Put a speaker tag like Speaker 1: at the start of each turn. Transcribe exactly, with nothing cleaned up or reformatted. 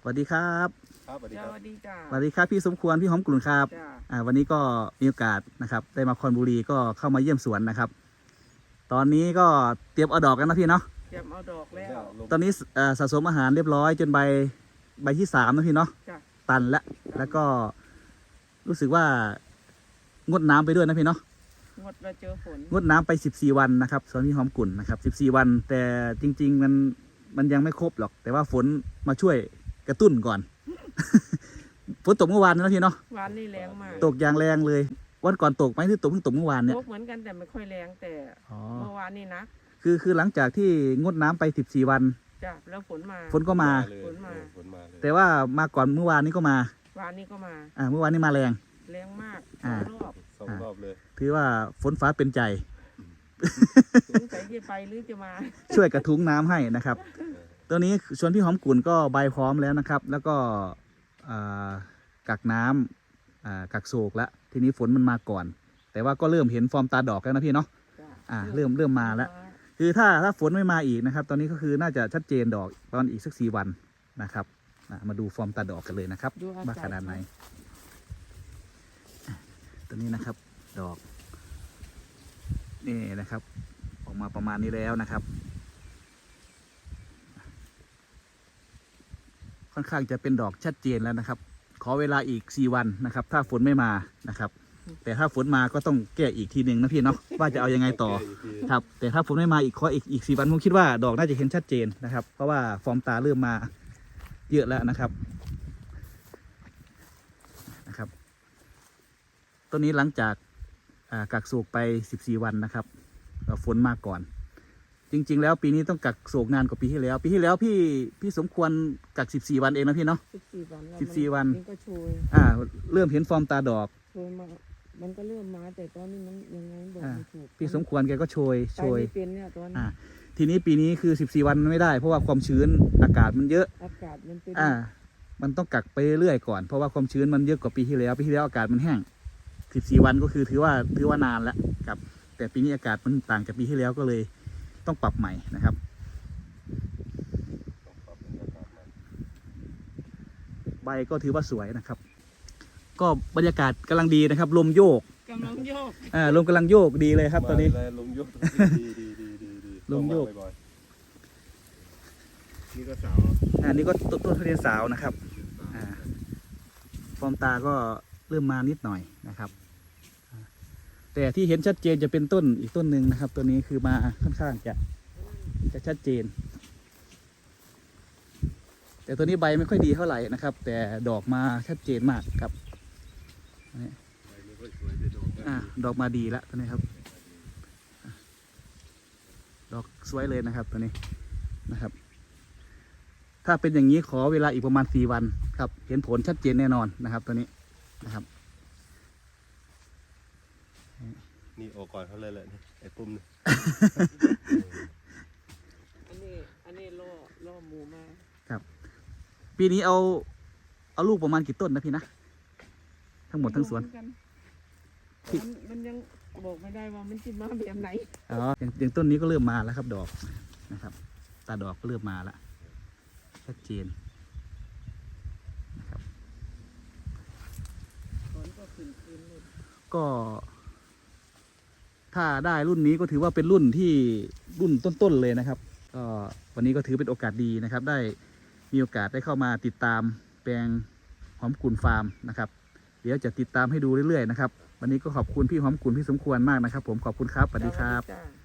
Speaker 1: สวัสดีครับ
Speaker 2: ครับสวัสดีครับ
Speaker 3: สวัสดีจ้า
Speaker 1: สวัสดีครับพี่สมควรพี่หอมกลุ่นครับ
Speaker 3: จ้า
Speaker 1: อ่าวันนี้ก็มีโอกาสนะครับได้มาคอนบุรีก็เข้ามาเยี่ยมสวนนะครับ ตอนนี้ก็เตรียมเอาดอกกันนะพี่เนาะ
Speaker 3: เตรียมเอาดอกแล้ว
Speaker 1: ตอนนี้เอ่อสะสมอาหารเรียบร้อยจนใบใบที่สามนะพี่เนาะ
Speaker 3: จ้า
Speaker 1: ตันแล้วแล้วก็รู้สึกว่างดน้ำไปด้วยนะพี่เนาะ
Speaker 3: งดมาเจอฝน
Speaker 1: งดน้ำไปสิบสี่วันนะครับสวนพี่หอมกลุ่นนะครับสิบสี่วันแต่จริง ๆ มันมันยังไม่ครบหรอก แต่ว่าฝนมาช่วยกระตุ้นก่อน ฝนตกเมื่อวานนะพี่เนาะ
Speaker 3: วานนี่แรงมาก
Speaker 1: ตกอย่างแรงเลย วันก่อนตกไหมที่ตกเพิ่งตกเมื่อวานเนี่ย
Speaker 3: ตกเหมือนกันแต่ไม่ค่อยแรงแต่
Speaker 1: อ๋อ
Speaker 3: เมื่อวานนี่นะ
Speaker 1: คือคือหลังจากที่งดน้ำไปสิบสี่วัน
Speaker 3: จ้าแล้วฝนมา
Speaker 1: ฝนก็มา
Speaker 2: เลย
Speaker 3: ฝนมา
Speaker 2: เออฝนมาเลย
Speaker 1: แต่ว่ามาก่อนเมื่อวานนี้ก็มา
Speaker 3: วานนี่ก็มา
Speaker 1: อ่าเมื่อวานนี้มาแรง
Speaker 3: แรงมากส
Speaker 1: อ่า
Speaker 3: องรอบ
Speaker 2: สองรอบเลย
Speaker 1: ถือว่าฝนฟ้าเป็นใจ
Speaker 3: สงสัยจะไปหรือจะมา
Speaker 1: ช่วยกระทุ้งน้ำให้นะครับ ตัวนี้ชวนพี่หอมกุ่นก็ใบพร้อมแล้วนะครับ แล้วก็อ่ากักน้ำอ่ากักโศกแล้วทีนี้ฝนมันมาก่อน แต่ว่าก็เริ่มเห็นฟอร์มตาดอกแล้วนะพี่เนาะ
Speaker 3: จ้า
Speaker 1: อ่าเริ่มเริ่มมาแล้ว คือถ้าถ้าฝนไม่มาอีกนะครับ ตอนนี้ก็คือน่าจะชัดเจนดอกประมาณอีกสักสี่วันนะครับอ่ะมาดูฟอร์มตาดอกกันเลยนะครับ
Speaker 3: ดูอากาศ
Speaker 1: ว่าขนาดไหนอ่ะตัวนี้นะครับ ดอกนี่นะครับ ออกมาประมาณนี้แล้วนะครับ ค่อนข้างจะเป็นดอกชัดเจนแล้วนะครับ ขอเวลาอีกสี่วันนะครับ ถ้าฝนไม่มานะครับ แต่ถ้าฝนมาก็ต้องแก้อีกทีหนึ่งนะพี่เนาะว่าจะเอายังไงต่อ ครับ แต่ถ้าฝนไม่มาอีกขออีกอีกสี่วันผมคิดว่าดอกน่าจะเห็นชัดเจนนะครับ เพราะว่าฟอร์มตาเริ่มมาเยอะแล้วนะครับนะครับต้นนี้หลังจากอ่ากักโศกไปสิบสี่วันนะครับแล้วฝนมาก่อน จริง ๆ แล้วปีนี้ต้องกักโศกนานกว่าปีที่แล้ว ปีที่แล้วพี่พี่สมควรกักสิบสี่วันเองนะพี่เนาะ
Speaker 3: สิบสี่วันแล้ว
Speaker 1: สิบสี่วัน
Speaker 3: มันก็โชย
Speaker 1: อ่าเริ่มเห็นฟอร์มตาดอก
Speaker 3: โชยมามันก็เริ่มมาแต่ตอนนี้มันยังไงบอก
Speaker 1: อ่า
Speaker 3: ไม่ถูก
Speaker 1: พี่สมควรแกก็โชย
Speaker 3: ไป
Speaker 1: โชย
Speaker 3: ไม่เป็นเนี่ยตอนนี้
Speaker 1: อ่าทีนี้ปีนี้คือสิบสี่วันไม่ได้เพราะว่าความชื้นอากาศมันเยอะ
Speaker 3: อากาศมันเป็น
Speaker 1: อ่า มันต้องกักไปเรื่อยๆก่อน เพราะว่าความชื้นมันเยอะกว่าปีที่แล้ว ปีที่แล้วอากาศมันแห้งสิบสี่วันก็คือถือว่าถือว่านานแล้วครับ แต่ปีนี้อากาศมันต่างจากปีที่แล้วก็เลยต้องปรับใหม่นะครับ
Speaker 2: ต้องปรับบรรยากาศใหม่
Speaker 1: ใบก็ถือว่าสวยนะครับ ก็บรรยากาศกำลังดีนะครับ ลมโยก
Speaker 3: กำลังโยก
Speaker 1: อ่า ลมกำลังโยกดีเลยครับตอนนี้
Speaker 2: มาเลยลมโยกดีดีดีดีดี
Speaker 1: ลมโยก
Speaker 2: ต้องาบ่อยๆนี่ก็สาว
Speaker 1: อ่านี่ก็ต้นต้นทุเรียนสาวนะครับ อ่า ฟอร์มตาก็เริ่มมานิดหน่อยนะครับอ่าแต่ที่เห็นชัดเจนจะเป็นต้นอีกต้นหนึ่งนะครับ ตัวนี้คือมาค่อนข้างจะจะชัดเจน แต่ตัวนี้ใบไม่ค่อยดีเท่าไหร่นะครับ แต่ดอกมาชัดเจนมากครับนี่
Speaker 2: ไม่ค่อยสวยแต่ดอก
Speaker 1: อ่าดอกมาดีแล้วตัวนี้ครับอ่ะดอกสวยเลยนะครับตัวนี้นะครับ ถ้าเป็นอย่างนี้ขอเวลาอีกประมาณสี่วันครับ เห็นผลชัดเจนแน่นอนนะครับตัวนี้นะครับ
Speaker 2: นี่ออกก่อนเขาเลยแหละนี่ไอ้ปุ้มนี่
Speaker 3: อันนี้อันนี้ล่อล่อหมูมา
Speaker 1: ปีนี้เอาเอาลูกประมาณกี่ต้นนะพี่นะทั้งหมดทั้งสวน
Speaker 3: เหมือกันมันมันยังบอกไม่ได้ว่ามันจะมาแบบไหน
Speaker 1: อ๋ออย่างอย่างต้นนี้ก็เริ่มมาแล้วครับ ดอกนะครับ ตาดอกก็เริ่มมาแล้วชัดเจนนะครับ
Speaker 3: ฝนก็ขึ้นคืนเลย
Speaker 1: ก็ ถ้าได้รุ่นนี้ก็ถือว่าเป็นรุ่นที่รุ่นต้นๆเลยนะครับก็วันนี้ก็ถือเป็นโอกาสดีนะครับ ได้มีโอกาสได้เข้ามาติดตามแปลงหอมกุ่นฟาร์มนะครับ เดี๋ยวจะติดตามให้ดูเรื่อยๆนะครับ วันนี้ก็ขอบคุณพี่หอมกุ่นพี่สมควรมากนะครับ ผมขอบคุณครับสวัสดีครับ
Speaker 3: จ้า